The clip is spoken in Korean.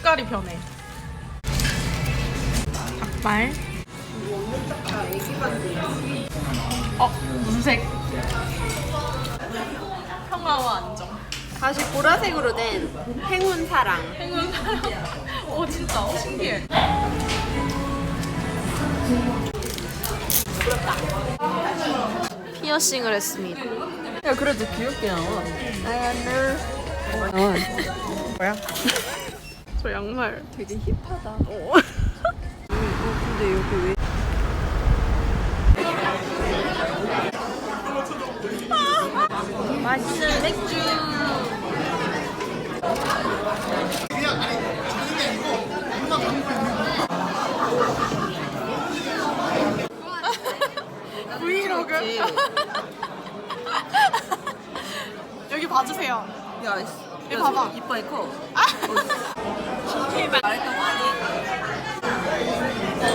색깔이 변해. 닭발. 무슨 색? 평화와 안정. 다시 보라색으로 된 행운 사랑. 행운 사랑. 진짜 신기해. 피어싱을 했습니다. 야 그래도 귀엽게 나와. 뭐야? 저 양말 되게 힙하다. 근데 여기 왜? 맛있는 맥주. 브이로그. 여기 봐주세요. 야, 여기 봐봐. 이빨 커. 아! 말했다